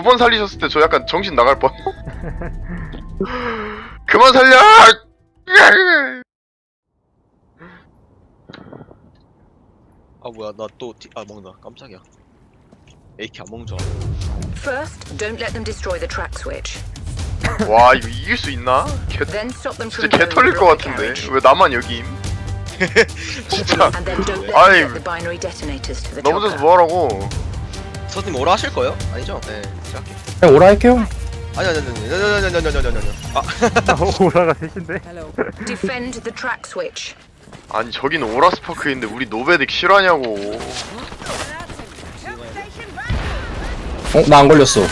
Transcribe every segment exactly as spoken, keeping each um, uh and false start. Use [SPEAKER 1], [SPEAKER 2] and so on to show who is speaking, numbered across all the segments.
[SPEAKER 1] 두 번 살리셨을 때 저 약간 정신 나갈 뻔. 그만 살려!
[SPEAKER 2] 아 뭐야 나 또 아 먹는다 깜짝이야. 에이키 안 먹는 줄
[SPEAKER 3] First, don't let them destroy the track switch.
[SPEAKER 1] 와 이거 이길 수 있나? 개,
[SPEAKER 3] Then stop them
[SPEAKER 1] 진짜
[SPEAKER 3] from
[SPEAKER 1] 개 털릴
[SPEAKER 3] blowing the
[SPEAKER 1] 것
[SPEAKER 3] rocket
[SPEAKER 1] 같은데
[SPEAKER 3] carriage.
[SPEAKER 1] 왜 나만 여기임? 진짜
[SPEAKER 3] And then don't let
[SPEAKER 1] 아이,
[SPEAKER 3] them get the binary detonators to the
[SPEAKER 1] 넘어져서
[SPEAKER 3] chopper.
[SPEAKER 1] 뭐하라고?
[SPEAKER 2] 선생님 오라 하실 거예요? 아니죠? 네 제가 할게요.
[SPEAKER 4] 그냥 오라 할게요.
[SPEAKER 2] 아니 아니 아니 아니 아니 아니 아니 아니 아니 아니 아
[SPEAKER 5] 오라가 셋인데?
[SPEAKER 3] Defend the track switch.
[SPEAKER 1] 아니 저긴 오라스파크인데 우리 노베딕 실화냐고.
[SPEAKER 4] 어? 나 안 걸렸어.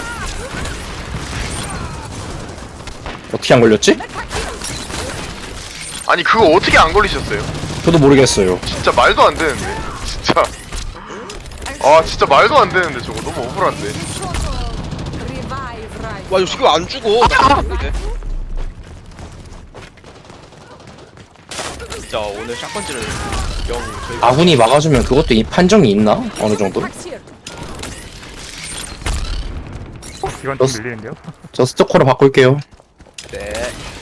[SPEAKER 4] 어떻게 안 걸렸지?
[SPEAKER 1] 아니 그거 어떻게 안 걸리셨어요?
[SPEAKER 4] 저도 모르겠어요.
[SPEAKER 1] 진짜 말도 안 되는데. 진짜. 아 진짜 말도 안 되는데 저거 너무 억울한데.
[SPEAKER 2] 와 이거 지금 안 죽어. 나 모르겠네. 진짜 오늘 샷건질을 영 저희가
[SPEAKER 4] 아군이 막아주면 그것도 이 판정이 있나? 어느 정도?
[SPEAKER 5] 이건 좀
[SPEAKER 4] 넣었어.
[SPEAKER 5] 밀리는데요?
[SPEAKER 4] 저 스토커로 바꿀게요.
[SPEAKER 2] 네.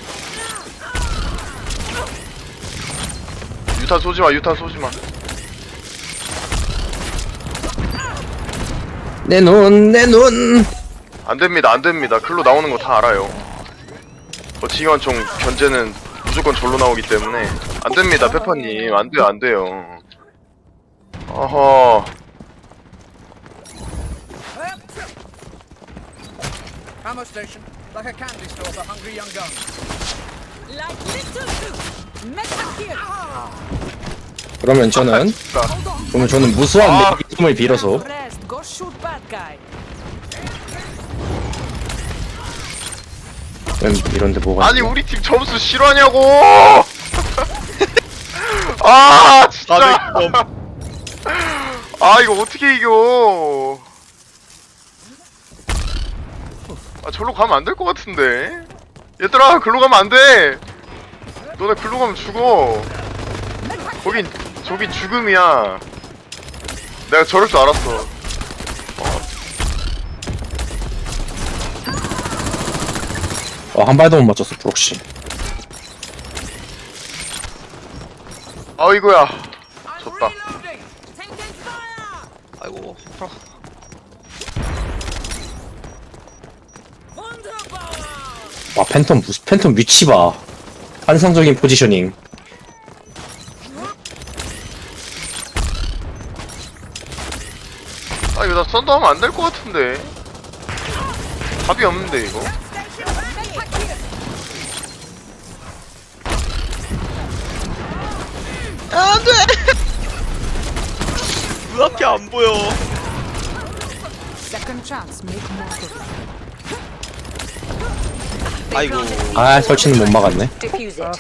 [SPEAKER 1] 유탄 쏘지마 유탄 쏘지마.
[SPEAKER 4] 내 눈, 내 눈.
[SPEAKER 1] 안됩니다 안됩니다. 글로 나오는 거 다 알아요. 버치기관총 견제는 무조건 절로 나오기 때문에 안됩니다 페퍼님. 안돼요 안돼요. 어허.
[SPEAKER 6] Ammo station, like a candy store for hungry young guns.
[SPEAKER 7] Like little soup. Metal here.
[SPEAKER 4] 그러면 저는
[SPEAKER 1] 진짜.
[SPEAKER 4] 그러면 저는 무수한
[SPEAKER 1] 아.
[SPEAKER 4] 매기움을 빌어서
[SPEAKER 7] Rest. Go shoot bad guy.
[SPEAKER 4] 왜 이런데 뭐가
[SPEAKER 1] 아니
[SPEAKER 4] 있냐?
[SPEAKER 1] 우리 팀 점수 실화냐고. 아 진짜.
[SPEAKER 2] 사백 점.
[SPEAKER 1] 아 이거 어떻게 이겨? 아 절로 가면 안 될 것 같은데. 얘들아 글로 가면 안 돼. 너네 글로 가면 죽어. 거긴 저기 죽음이야. 내가 저럴 줄 알았어.
[SPEAKER 4] 어, 한 발도 못 맞췄어 브록시.
[SPEAKER 1] 아이고야. 졌다.
[SPEAKER 7] Taking fire.
[SPEAKER 2] 아이고. 아,
[SPEAKER 7] Wunderbar.
[SPEAKER 4] 와 팬텀 무슨 팬텀 위치 봐. 환상적인 포지셔닝.
[SPEAKER 1] 아 이거 나 썬더하면 안 될 것 같은데. 답이 없는데 이거.
[SPEAKER 2] 안돼. 왜 이렇게 안 보여?
[SPEAKER 7] Second chance. Make more of it.
[SPEAKER 2] 아이고.
[SPEAKER 4] 아 설치는 못 막았네.
[SPEAKER 3] Defuse it.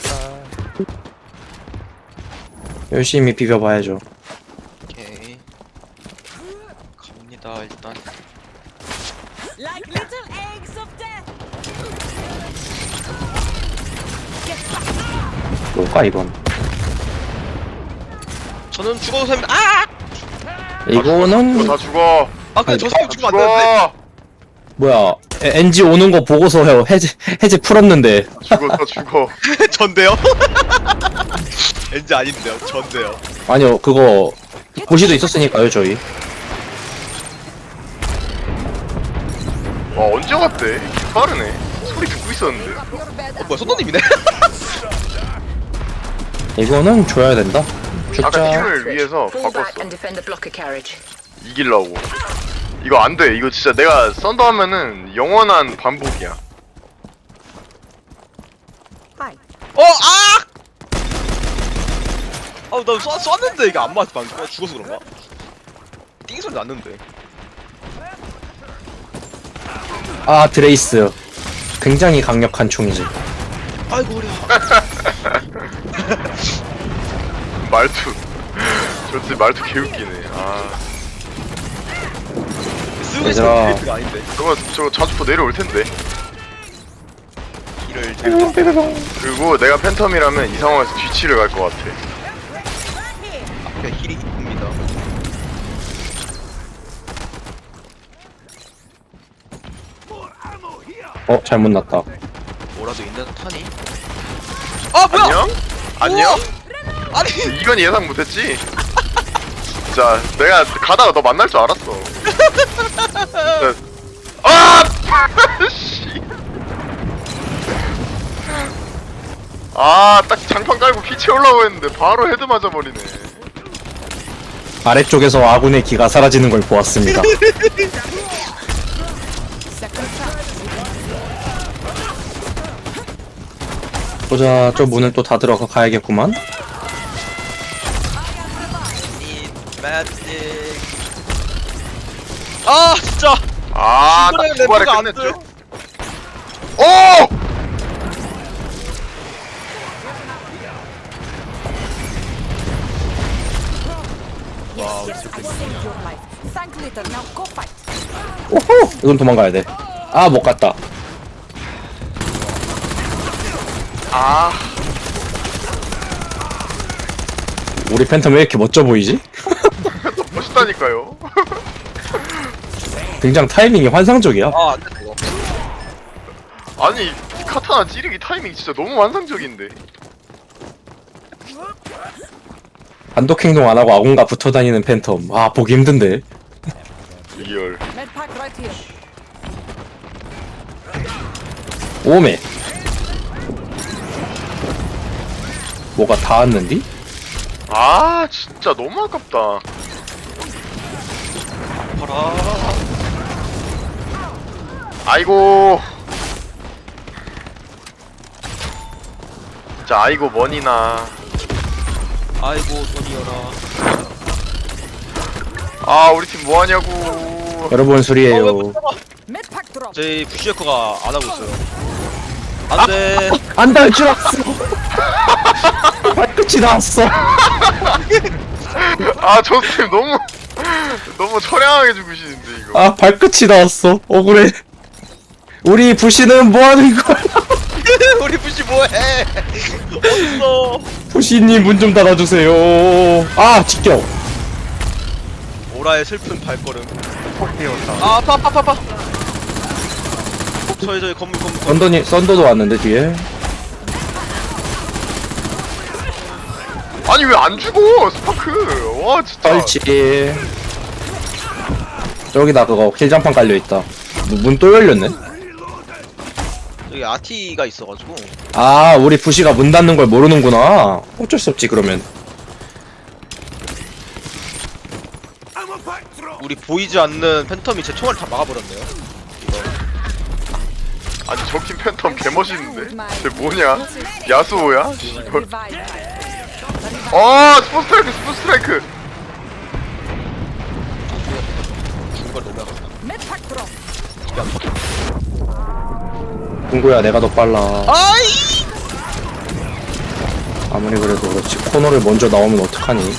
[SPEAKER 4] 열심히 비벼봐야죠.
[SPEAKER 2] 오케이. 갑니다 일단.
[SPEAKER 7] Like little eggs of death.
[SPEAKER 4] 뭘까 이건?
[SPEAKER 2] 저는 죽어도 됩니다. 아!
[SPEAKER 4] 이거는
[SPEAKER 1] 이거 다 죽어.
[SPEAKER 2] 아 근데 저
[SPEAKER 1] 다
[SPEAKER 2] 사람 죽으면 안 되는데.
[SPEAKER 1] 죽어.
[SPEAKER 4] 뭐야? 에- 엔지 오는 거 보고서 해 해제 해제 풀었는데.
[SPEAKER 1] 죽어 다 죽어.
[SPEAKER 2] 전데요? 왠지 아닌데요. 전데요.
[SPEAKER 4] 아니요 그거 고시도 있었으니까요 저희.
[SPEAKER 1] 와 언제 왔대? 빠르네. 소리 듣고 있었는데.
[SPEAKER 2] 어 뭐야 손노님이네.
[SPEAKER 4] 이거는 줘야 된다.
[SPEAKER 1] 아까
[SPEAKER 4] 죽자.
[SPEAKER 1] 팀을 위해서
[SPEAKER 3] Fall back
[SPEAKER 1] 바꿨어.
[SPEAKER 3] and defend the blocker carriage.
[SPEAKER 1] 이기려고. 이거 안 돼. 이거 진짜 내가 썬더 하면은 영원한 반복이야.
[SPEAKER 2] 어 아! 아우 나 쏘, 쐈는데 이게 안 맞았어 방금. 아, 죽어서 그런가? 띵 소리 났는데.
[SPEAKER 4] 아 드레이스. 굉장히 강력한 총이지.
[SPEAKER 2] 아이고 우리.
[SPEAKER 1] 말투. 저때 말투 개웃기네. 아.
[SPEAKER 2] 쓰고
[SPEAKER 4] 얘들아.
[SPEAKER 2] 있는 가 아닌데.
[SPEAKER 1] 저거 저거 자주포 내려올 텐데.
[SPEAKER 2] 길을 재밌게.
[SPEAKER 1] 그리고 내가 팬텀이라면 이 상황에서 뒤치를 갈 것 같아.
[SPEAKER 2] 앞에 힐이 있습니다.
[SPEAKER 4] 어 잘못 났다.
[SPEAKER 2] 뭐라도 있는 탄이? 아 뭐야?
[SPEAKER 1] 안녕? 안녕?
[SPEAKER 2] 아니
[SPEAKER 1] 이건 예상 못했지? 진짜 내가 가다가 너 만날 줄 알았어. 진짜. 아! 씨. 아, 딱 장판 깔고 피 채우려고 했는데 바로 헤드 맞아버리네.
[SPEAKER 4] 아래쪽에서 아군의 기가 사라지는 걸 보았습니다. 보자, 저 문은 또 다 들어가 가야겠구만.
[SPEAKER 2] 이 매직. 아 진짜.
[SPEAKER 1] 아, 딱
[SPEAKER 2] 이번에
[SPEAKER 1] 두 발에
[SPEAKER 2] 램프가 안
[SPEAKER 1] 끝냈죠? 오!
[SPEAKER 7] Yes, yes, I saved your life. Thank later. Now go fight.
[SPEAKER 4] 오호! 이건 도망가야 돼. 아, 못 갔다.
[SPEAKER 1] 아,
[SPEAKER 4] 우리 팬텀 왜 이렇게 멋져 보이지?
[SPEAKER 1] 멋있다니까요.
[SPEAKER 4] 등장 타이밍이 환상적이야.
[SPEAKER 2] 아 안됐다 이거.
[SPEAKER 1] 아니, 카타나 찌르기 타이밍 진짜 너무 완성적인데.
[SPEAKER 4] 단독 행동 안 하고 아군과 붙어 다니는 팬텀. 아, 보기 힘든데.
[SPEAKER 1] 리얼.
[SPEAKER 7] Med pack right here.
[SPEAKER 4] 오메. 뭐가 닿았는디?
[SPEAKER 1] 아, 진짜 너무 아깝다.
[SPEAKER 2] 봐라.
[SPEAKER 1] 아이고. 진짜 아이고 머니나.
[SPEAKER 2] 아이고 돈이여라.
[SPEAKER 1] 아, 우리 팀 뭐하냐고.
[SPEAKER 4] 여러분
[SPEAKER 2] 어, 왜
[SPEAKER 4] 소리에요.
[SPEAKER 2] 못 잡아?
[SPEAKER 7] Med pack drop.
[SPEAKER 2] 저희 부시에커가 안 하고 있어요. 안돼.
[SPEAKER 4] 안 닿을 줄 알았어. 발끝이 나왔어.
[SPEAKER 1] 아, 저 팀 너무 너무 처량하게 죽으시는데 이거.
[SPEAKER 4] 아, 발끝이 나왔어. 억울해. 우리 부시는 뭐 하는 거야?
[SPEAKER 2] 우리 부시 뭐해? 어딨어?
[SPEAKER 4] 부시님 문 좀 닫아주세요. 아, 직격.
[SPEAKER 2] 오라의 슬픈 발걸음.
[SPEAKER 5] 폭 띄웠다.
[SPEAKER 2] 아 아파 아파 아파 아파. 저희 저희 건물 건물 건물.
[SPEAKER 4] 썬더니, 썬더도 왔는데, 뒤에.
[SPEAKER 1] 아니 왜 안 죽어 스파크. 와 진짜.
[SPEAKER 4] 뻘치. 저기다 그거 킬장판 깔려있다. 문 또 열렸네?
[SPEAKER 2] 여기 아티가 있어가지고.
[SPEAKER 4] 아, 우리 부시가 문 닫는 걸 모르는구나. 어쩔 수 없지, 그러면.
[SPEAKER 2] 우리 보이지 않는 팬텀이 제 총알을 다 막아버렸네요. 이거.
[SPEAKER 1] 아니 저 팀 팬텀 개멋있는데. 쟤 뭐냐? 야수호야? 씨발.
[SPEAKER 7] Revive.
[SPEAKER 1] 아, 스포 스트라이크 스포 스트라이크.
[SPEAKER 2] 죽은 걸 너무 아깝다.
[SPEAKER 7] Med pack drop.
[SPEAKER 4] 궁구야, 내가 더 빨라.
[SPEAKER 2] 아이!
[SPEAKER 4] 아무리 그래도 그렇지. 코너를 먼저 나오면 어떡하니?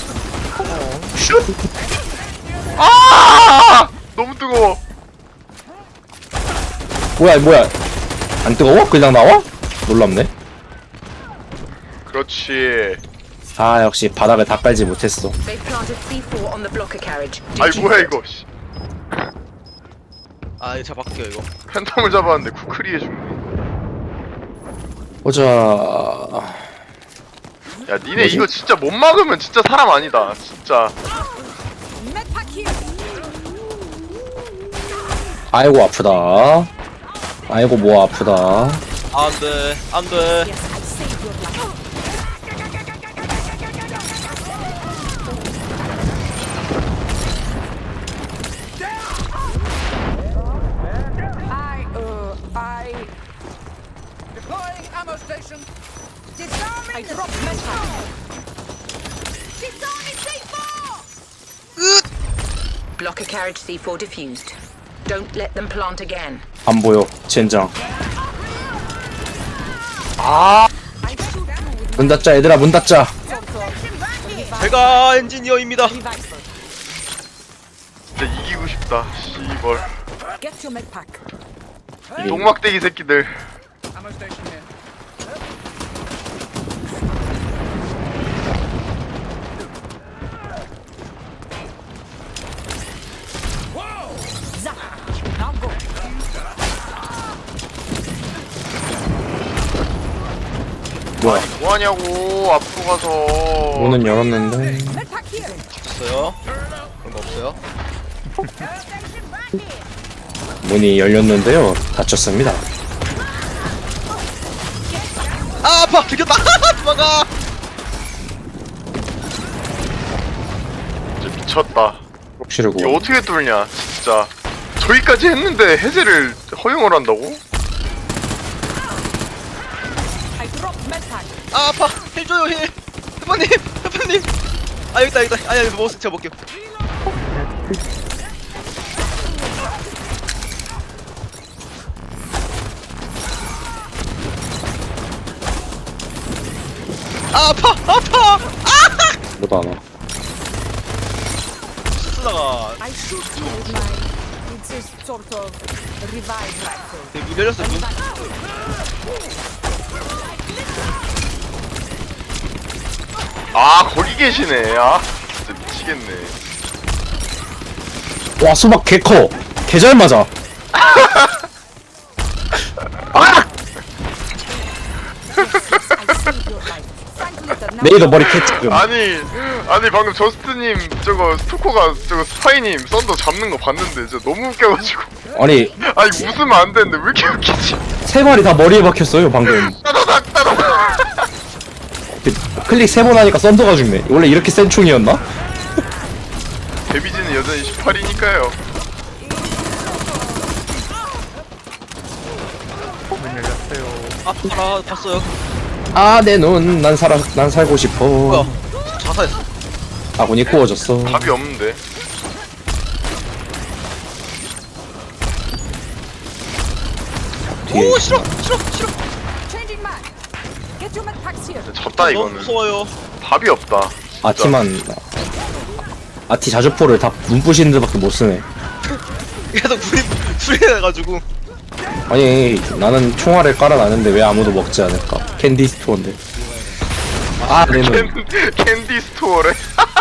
[SPEAKER 1] 아! 너무 뜨거워.
[SPEAKER 4] 뭐야, 뭐야. 안 뜨거워? 그냥 나와? 놀랍네.
[SPEAKER 1] 그렇지.
[SPEAKER 4] 아, 역시 바닥을 다 깔지 못했어.
[SPEAKER 3] They've planted C four on the blocker carriage.
[SPEAKER 1] 아이
[SPEAKER 3] Defuse
[SPEAKER 1] 뭐야
[SPEAKER 3] it.
[SPEAKER 1] 이거. 씨.
[SPEAKER 2] 아 이거 잡아갈게요 이거.
[SPEAKER 1] 팬텀을 잡았는데 쿠크리 해주네.
[SPEAKER 4] 보자.
[SPEAKER 1] 야, 니네
[SPEAKER 4] 뭐지?
[SPEAKER 1] 이거 진짜 못 막으면 진짜 사람 아니다. 진짜.
[SPEAKER 7] Med pack here.
[SPEAKER 4] 아이고, 아프다. 아이고, 뭐 아프다.
[SPEAKER 2] 안돼 안돼.
[SPEAKER 7] Yes, I saved your life. I, uh, I,
[SPEAKER 6] Deploying ammo station.
[SPEAKER 7] I dropped med pack.
[SPEAKER 3] Blocker carriage C four diffused. Don't let them plant again.
[SPEAKER 4] 안 보여, 젠장.
[SPEAKER 7] I shoot you with
[SPEAKER 4] 문 닫자, 얘들아, 문 닫자.
[SPEAKER 2] 제가 엔지니어입니다.
[SPEAKER 7] revive.
[SPEAKER 1] 진짜 이기고 싶다. 씨벌.
[SPEAKER 7] Get your med pack.
[SPEAKER 1] 똥막대기 새끼들.
[SPEAKER 6] Ammo station here.
[SPEAKER 7] Zap. Now go.
[SPEAKER 4] 좋아.
[SPEAKER 1] 뭐하냐고 앞으로 가서.
[SPEAKER 4] 문은 열었는데.
[SPEAKER 7] Medpack here.
[SPEAKER 2] 갇혔어요? 그런 거 없어요?
[SPEAKER 4] 문이 열렸는데요. 닫혔습니다.
[SPEAKER 2] 아 아파! 들켰다! 도망가!
[SPEAKER 1] 진짜 미쳤다.
[SPEAKER 4] 혹시를
[SPEAKER 1] 이거
[SPEAKER 4] 구워.
[SPEAKER 1] 어떻게 뚫냐 진짜. 저기까지 했는데 해제를 허용을 한다고?
[SPEAKER 7] I dropped medpack.
[SPEAKER 2] 아 아파! 힐 줘요 힐! 해파님! 해파님! 아 여기다 여기다! 아니 아니 먹었어 제가 먹게요. 아 아파! 아파!
[SPEAKER 4] 뭐도 안 와.
[SPEAKER 2] 쓰다가
[SPEAKER 7] I shoot you with my. It's a sort of revive rifle.
[SPEAKER 2] 네, 문 열렸어 문.
[SPEAKER 1] 아 거기 계시네. 아 진짜 미치겠네.
[SPEAKER 4] 와 수박 개 커. 개 잘 맞아.
[SPEAKER 7] I saved your life. Thank leader. Now
[SPEAKER 4] 레이더 머리 캐 지금.
[SPEAKER 1] 아니 아니 방금 저스트님 저거 스토커가 저거 스파이님 썬더 잡는 거 봤는데 진짜 너무 웃겨가지고.
[SPEAKER 4] 아니
[SPEAKER 1] 아니 웃으면 안 되는데 왜 이렇게 웃기지?
[SPEAKER 4] 세 마리 다 머리에 박혔어요 방금.
[SPEAKER 1] 따다닥 따다닥.
[SPEAKER 4] 클릭 세 번 하니까 썬더가 죽네. 원래 이렇게 센 총이었나?
[SPEAKER 1] 데미지는 여전히 십팔이니까요.
[SPEAKER 5] 문 열렸어요.
[SPEAKER 2] 아파라 봤어요.
[SPEAKER 4] 아 내 눈 난 살아 난 살고 싶어.
[SPEAKER 2] 뭐야? 자살했어.
[SPEAKER 4] 아군이 구워졌어.
[SPEAKER 1] 답이 없는데.
[SPEAKER 4] 뒤에
[SPEAKER 2] 오 싫어 싫어 싫어.
[SPEAKER 7] changing mag. Get your medpacks here.
[SPEAKER 1] 졌다
[SPEAKER 2] 너무
[SPEAKER 1] 이거는.
[SPEAKER 2] 무서워요.
[SPEAKER 1] 답이 없다.
[SPEAKER 4] 아티만 아티 자주포를 다 눈부신 데밖에 못 쓰네.
[SPEAKER 2] 계속 불이 불이 나가지고.
[SPEAKER 4] 아니 나는 총알을 깔아놨는데 왜 아무도 먹지 않을까? 캔디 스토어인데. 아 내 눈.
[SPEAKER 1] 캔, 캔디 스토어래.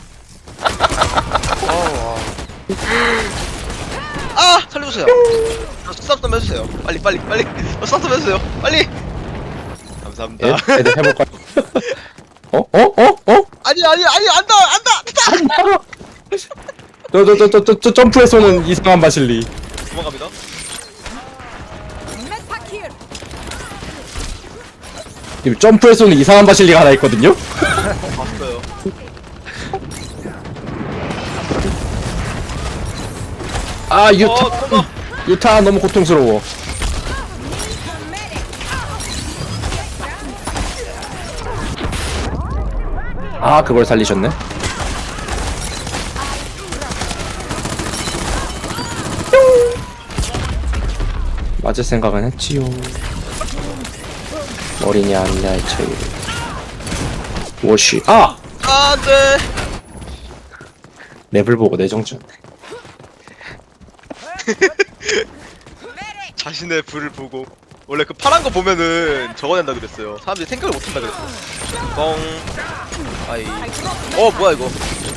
[SPEAKER 2] 아 살려주세요. 스탑 좀 해주세요. 빨리 빨리 빨리. 스탑 좀 해주세요. 빨리. 감사합니다.
[SPEAKER 4] 애, 애들 해볼까? 어? 어? 어? 어?
[SPEAKER 2] 아니 아니 아니 안다 안다.
[SPEAKER 4] 저저저저 점프에서는 이상한 바실리.
[SPEAKER 2] 도망갑니다.
[SPEAKER 7] Medpack here.
[SPEAKER 4] 지금 점프에서는 이상한 바실리가 하나 있거든요?
[SPEAKER 2] 봤어요.
[SPEAKER 4] 아
[SPEAKER 2] 어
[SPEAKER 4] 유타
[SPEAKER 2] 도망가.
[SPEAKER 4] 유타 너무 고통스러워. 아 그걸 살리셨네. 맞을 생각은 했지요. 머리냐 아니냐의 차이. 워시 아
[SPEAKER 2] 안돼.
[SPEAKER 4] 랩을 보고 내정지였네.
[SPEAKER 2] 자신의 불을 보고 원래 그 파란 거 보면은 적어낸다 그랬어요. 사람들이 생각을 못한다 그랬어. 뻥. 아이. 어 뭐야 이거.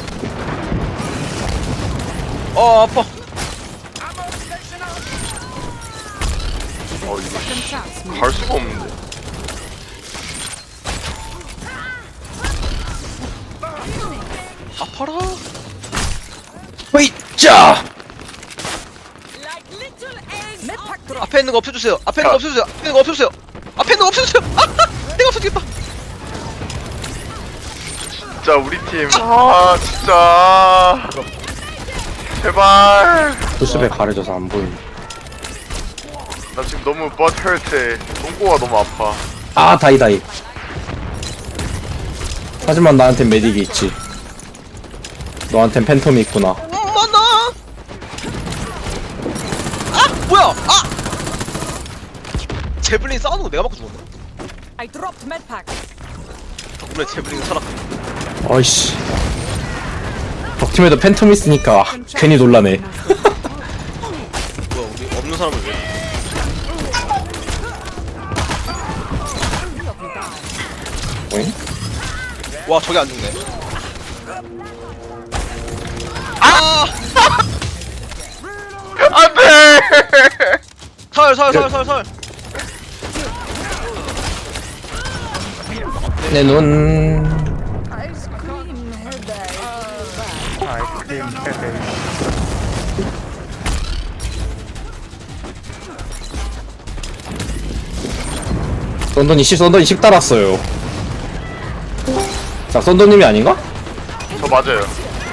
[SPEAKER 2] 어 아파.
[SPEAKER 1] 어 이거
[SPEAKER 7] Second chance.
[SPEAKER 1] 갈 수가 없는데.
[SPEAKER 2] 아파라.
[SPEAKER 4] 으이짜
[SPEAKER 7] Medpack drop.
[SPEAKER 2] 앞에 있는 거 없애주세요. 앞에 있는 거
[SPEAKER 1] 야.
[SPEAKER 2] 없애주세요. 앞에 있는 거 없애주세요. 앞에 있는 거 없애주세요. 아, 내가 없애주겠다.
[SPEAKER 1] 진짜 우리 팀. 아 진짜. 제발.
[SPEAKER 4] 보스배 가려져서 안 보이네.
[SPEAKER 1] 나 지금 너무 버트헐트해. 똥꼬가 너무 아파.
[SPEAKER 4] 아 다이다이. 하지만 나한텐 메딕이 있지. 너한텐 팬텀이 있구나.
[SPEAKER 2] 엄마나. 아 뭐야? 아. 제블린 싸우는 거 내가 맞고 죽었네.
[SPEAKER 7] I dropped medpack.
[SPEAKER 2] 덕분에 제블린 살았.
[SPEAKER 4] 어이씨. 적팀에도 팬텀 있으니까 괜히 놀라네.
[SPEAKER 2] 뭐야 우리 없는 사람을 왜?
[SPEAKER 4] 오잉?
[SPEAKER 2] 와 저게 안 죽네. 아!
[SPEAKER 1] 안돼.
[SPEAKER 2] 설 설 설 설 설.
[SPEAKER 4] 내 눈.
[SPEAKER 7] Ice cream headache.
[SPEAKER 5] 아이스크림 헤드.
[SPEAKER 4] 썬더니 씨 썬더니 십 달았어요. 자 썬더님이 아닌가?
[SPEAKER 1] 저 맞아요.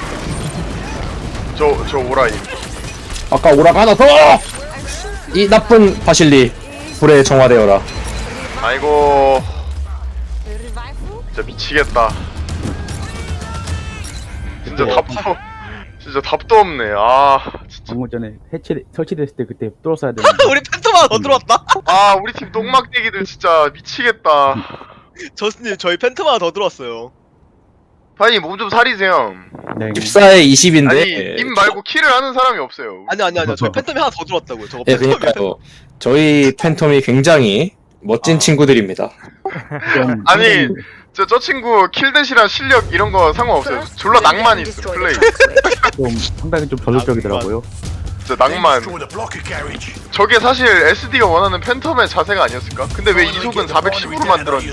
[SPEAKER 1] 저 저 오라이.
[SPEAKER 4] 아까 오라가 하나 더! 이 나쁜 바실리 불에 정화되어라.
[SPEAKER 1] 아이고
[SPEAKER 7] Revival?
[SPEAKER 1] 진짜 미치겠다. 진짜
[SPEAKER 2] 근데
[SPEAKER 1] 답도 진짜 답도 없네. 아 진짜.
[SPEAKER 8] 방금 전에 해체 설치됐을 때 그때 뚫었어야 되는데
[SPEAKER 2] 우리 팬텀 더 들어왔다.
[SPEAKER 1] 아 우리 팀 똥막대기들 진짜 미치겠다.
[SPEAKER 2] 저스님 저희 팬텀 하나 더 들어왔어요.
[SPEAKER 1] 파이님 몸 좀 사리세요.
[SPEAKER 8] 네.
[SPEAKER 4] 십사에 이십인데
[SPEAKER 1] 아니 님 말고 킬을 하는 사람이 없어요.
[SPEAKER 2] 아니 아니 아니 저희 팬텀이 하나 더 들어왔다고요. 저거
[SPEAKER 4] 예,
[SPEAKER 2] 팬텀이에요.
[SPEAKER 4] 그러니까요. 저희 팬텀이 굉장히 멋진
[SPEAKER 2] 아.
[SPEAKER 4] 친구들입니다.
[SPEAKER 8] 좀
[SPEAKER 1] 아니
[SPEAKER 8] 상당히
[SPEAKER 1] 저, 저 친구 킬댓이랑 실력 이런 거 상관없어요. 졸라 낭만 있어 플레이.
[SPEAKER 8] 좀 상당히 좀 저돌적이더라고요.
[SPEAKER 1] 진짜 낭만. 저게 사실 에스디가 원하는 팬텀의 자세가 아니었을까? 근데 왜 이속은 사백십으로 만들었니?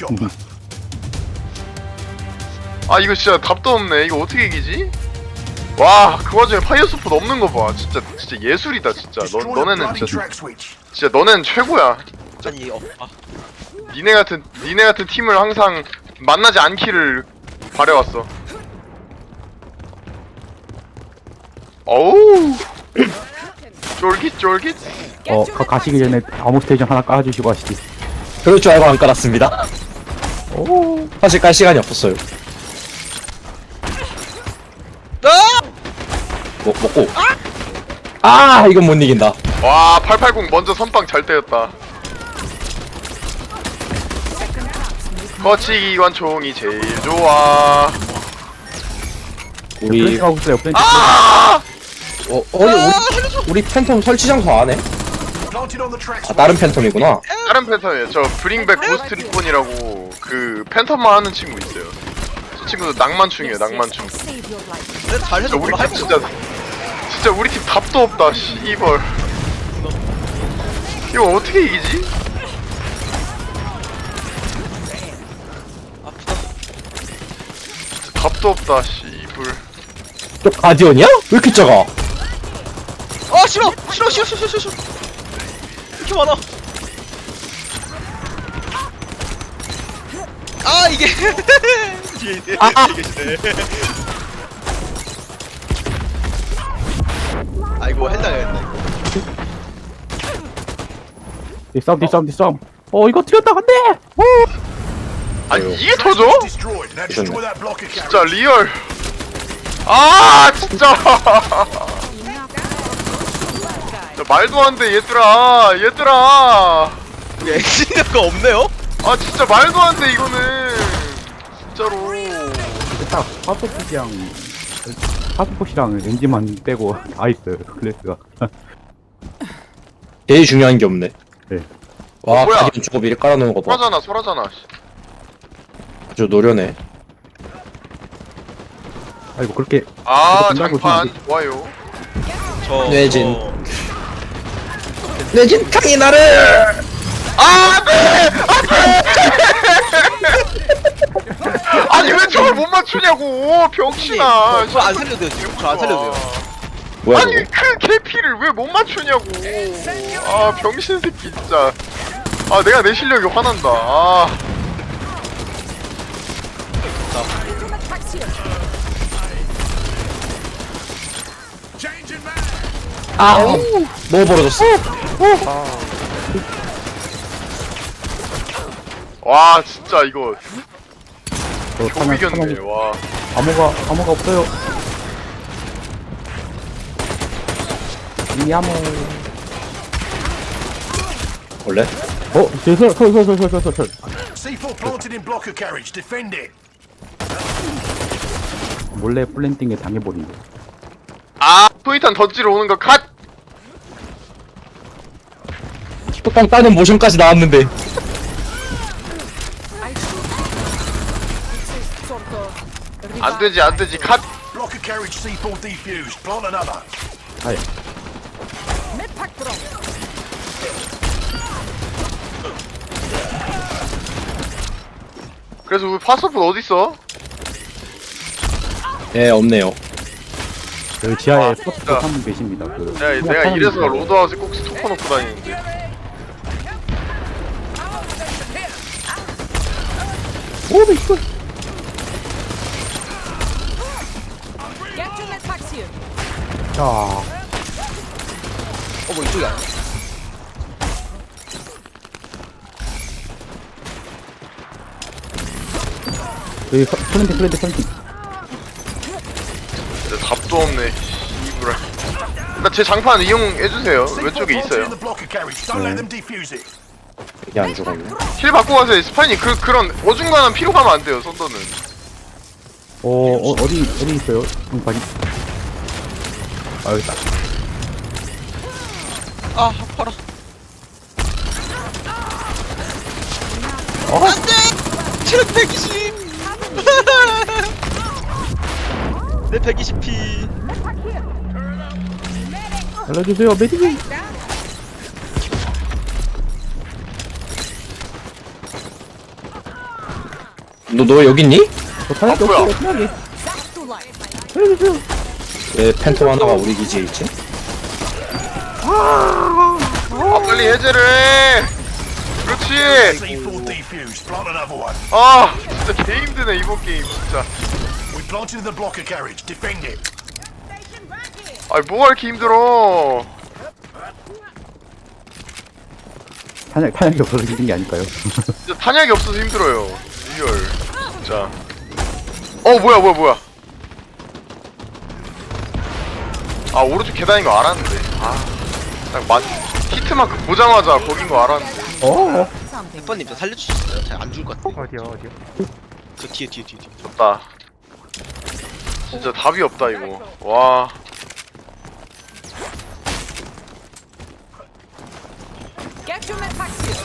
[SPEAKER 1] 아 이거 진짜 답도 없네. 이거 어떻게 이기지? 와 그 와중에 파이어 스포 없는 거 봐. 진짜 진짜 예술이다 진짜. 너 너네는 진짜 진짜 너네는 최고야.
[SPEAKER 2] 아니 어, 아,
[SPEAKER 1] 니네 같은 니네 같은 팀을 항상 만나지 않기를 바래왔어. 어우 쫄깃 쫄깃.
[SPEAKER 8] 어 가, 가시기 전에 아무 스테이션 하나 깔아주시고 가시지.
[SPEAKER 4] 그럴 줄 알고 안 깔았습니다. 오, 사실 깔 시간이 없었어요. 먹, 먹고. 아, 이건 못 이긴다.
[SPEAKER 1] 와 팔팔공 먼저 선빵 잘 때렸다. 거치기 관총이 제일 좋아.
[SPEAKER 4] 우리,
[SPEAKER 8] 플랜팅 하고 있어요. 플랜팅.
[SPEAKER 1] 아!
[SPEAKER 4] 어, 어디, 우리, 우리 팬텀 설치 장소 안 해? 아, 다른 팬텀이구나.
[SPEAKER 1] 다른 팬텀이에요. 저 브링백 고스트 리본이라고 그 팬텀만 하는 친구 있어요. 저 친구도 낭만충이에요. 낭만충.
[SPEAKER 7] Save your life.
[SPEAKER 2] 근데 잘해서
[SPEAKER 1] 진짜 우리
[SPEAKER 2] 뭐라
[SPEAKER 1] 팀
[SPEAKER 2] 할거
[SPEAKER 1] 진짜 진짜 우리 팀 답도 없다. 씨발. 이거 어떻게 이기지? 진짜 답도 없다. 씨발.
[SPEAKER 4] 저 가디언이야? 왜 이렇게 작아?
[SPEAKER 2] 아 싫어 싫어 싫어 싫어 싫어 싫어. 이렇게 많아. 아 이게 뒤에 뒤에 뒤에 계시네. 아이고 했나요 했나.
[SPEAKER 8] 뒷싸움 뒷싸움 뒷싸움. 어 이거 틀렸다 안돼.
[SPEAKER 1] 아니 이게 터져?
[SPEAKER 4] 미쳤네.
[SPEAKER 1] 진짜 리얼. 아 진짜. 진짜 말도 안 돼 얘들아 얘들아.
[SPEAKER 2] 이게 엔지니어가 없네요.
[SPEAKER 1] 아 진짜 말도 안 돼 이거는 진짜로.
[SPEAKER 8] 딱 파스포시랑 파스포시랑 엔진만 빼고 다 있어요. 클래스가.
[SPEAKER 4] 제일 중요한 게 없네.
[SPEAKER 8] 네.
[SPEAKER 4] 와,
[SPEAKER 1] 어, 뭐야?
[SPEAKER 4] 가디언 저거 미리 깔아놓은 거 봐.
[SPEAKER 1] 소라잖아 소라잖아.
[SPEAKER 4] 아주 노련해.
[SPEAKER 8] 아이고 그렇게
[SPEAKER 1] 아
[SPEAKER 8] 이거 끝나고
[SPEAKER 1] 장판
[SPEAKER 8] 있으면
[SPEAKER 1] 좋아요.
[SPEAKER 2] 저
[SPEAKER 4] 뇌진.
[SPEAKER 2] 저-
[SPEAKER 4] 내진 탕이 나를!
[SPEAKER 1] 아 네! 아니 왜 저걸 못 맞추냐고 병신아.
[SPEAKER 2] 저 안 살려도 돼요 지금. 저 안 살려도 돼요.
[SPEAKER 4] 뭐야,
[SPEAKER 1] 아니
[SPEAKER 4] 이거?
[SPEAKER 1] 그 개피를 왜 못 맞추냐고. 아 병신 새끼 진짜. 아 내가 내 실력이 화난다. 아
[SPEAKER 4] 아, 너무 벌어졌어.
[SPEAKER 1] 와 진짜 이거
[SPEAKER 8] 저
[SPEAKER 1] 겨우
[SPEAKER 8] 타면
[SPEAKER 1] 이겼네.
[SPEAKER 8] 타면
[SPEAKER 1] 와
[SPEAKER 8] 암호가 암호가 없어요. 이 암호.
[SPEAKER 4] 원래?
[SPEAKER 8] 어, 저설설설설설설
[SPEAKER 9] C four planted in blocker carriage. Defend it.
[SPEAKER 8] 몰래 플랜팅에 당해버린 거.
[SPEAKER 1] 아 토이탄 던지러 오는 거 컷!
[SPEAKER 4] 뚜껑 따는 모션까지 나왔는데.
[SPEAKER 7] Sort of.
[SPEAKER 1] 안 되지 안 되지 컷!
[SPEAKER 9] Blocker carriage C four defused. Plant another.
[SPEAKER 8] 아예.
[SPEAKER 7] Medpack drop.
[SPEAKER 1] 그래서 우리 파서프 어딨어?
[SPEAKER 4] 예, 없네요.
[SPEAKER 8] 여기 지하에
[SPEAKER 1] 아,
[SPEAKER 8] 스포츠
[SPEAKER 1] 진짜.
[SPEAKER 8] 한 분 계십니다. 그
[SPEAKER 1] 내가, 내가
[SPEAKER 8] 하나님
[SPEAKER 1] 이래서
[SPEAKER 8] 있어요.
[SPEAKER 1] 로드하우스에 꼭 스토커 놓고 다니는데.
[SPEAKER 8] 오, 네, 이거.
[SPEAKER 7] Get to the taxi.
[SPEAKER 8] 자,
[SPEAKER 2] 어뭐 이쪽이 아니야?
[SPEAKER 8] 여기 서- 플랜팅, 플랜팅, 플랜팅.
[SPEAKER 1] 진짜 답도 없네. 이브라. 나제 장판 이용해주세요.
[SPEAKER 9] C four
[SPEAKER 1] 왼쪽에
[SPEAKER 9] planted
[SPEAKER 1] 있어요.
[SPEAKER 9] in the blocker carriage. Don't let them defuse it.
[SPEAKER 4] 이게 안 죽었네.
[SPEAKER 1] 힐 받고 가세요. 스파이니 그, 그런 어중간한 피로 가면 안 돼요, 선더는.
[SPEAKER 8] 어, 어, 어디, 어디 있어요? 좀 봐리. 아, 여기 있다.
[SPEAKER 2] 아 아파라.
[SPEAKER 8] 어?
[SPEAKER 2] 안돼. 체력 백이십. 내 백이십 피.
[SPEAKER 8] 알려주세요, 메디기.
[SPEAKER 4] 너, 너 여기 있니?
[SPEAKER 8] 저 타야 게
[SPEAKER 1] 아, 뭐야?
[SPEAKER 8] 없어요, 편하게.
[SPEAKER 7] That's too light.
[SPEAKER 8] 알려주세요.
[SPEAKER 4] 왜 팬텀 하나가 우리 기지에 있지?
[SPEAKER 1] 아, 빨리 해제를 해! 그렇지!
[SPEAKER 9] C four defused. Plant another one.
[SPEAKER 1] 아, 진짜 개 힘드네, 이번 게임, 진짜.
[SPEAKER 9] We planted in the blocker carriage. Defend it.
[SPEAKER 1] 아니, 뭐가 이렇게 힘들어.
[SPEAKER 8] 탄약, 탄약이 없어서 힘든 게 아닐까요?
[SPEAKER 1] 진짜 탄약이 없어서 힘들어요. 리얼. 진짜. 어, 뭐야, 뭐야, 뭐야. 아, 오른쪽 계단인 거 알았는데. 아, 딱 맞, 히트마크 보자마자 거긴 거 알았는데.
[SPEAKER 8] 어,
[SPEAKER 2] 백번님 저 살려주셨어요? 제가 안 죽을 것 같아.
[SPEAKER 5] 어디요 어디요?
[SPEAKER 2] 저 뒤에 뒤에 뒤에 뒤에.
[SPEAKER 1] 없다. 진짜 답이 없다, 이거. 와.
[SPEAKER 7] Get to the taxi.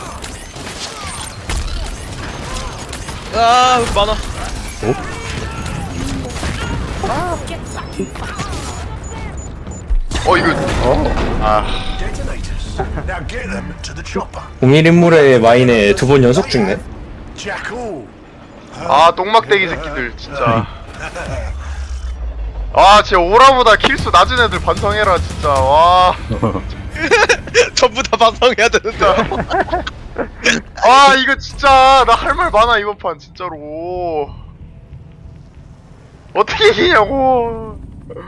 [SPEAKER 2] 아 여기 많아.
[SPEAKER 1] 어, 이거. 아.
[SPEAKER 9] Detonators. Now get them to the chopper.
[SPEAKER 4] 공일 인물의 마인에 두 번 연속 죽네.
[SPEAKER 9] Jackal.
[SPEAKER 1] 아, 똥막대기 새끼들, 진짜. 아, 진짜 오라보다 킬수 낮은 애들 반성해라, 진짜. 와.
[SPEAKER 2] 전부 다 반성해야 되는데.
[SPEAKER 1] 아, 이거 진짜 나 할 말 많아, 이번 판 진짜로. 어떻게 이기냐고.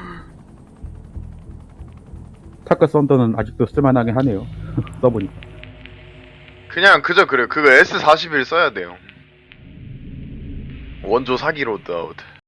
[SPEAKER 8] 타크 썬더는 아직도 쓸만하긴 하네요. 써보니까.
[SPEAKER 1] 그냥 그저 그래. 그거 에스 사십일 써야 돼요. 원조 사기 로드아웃.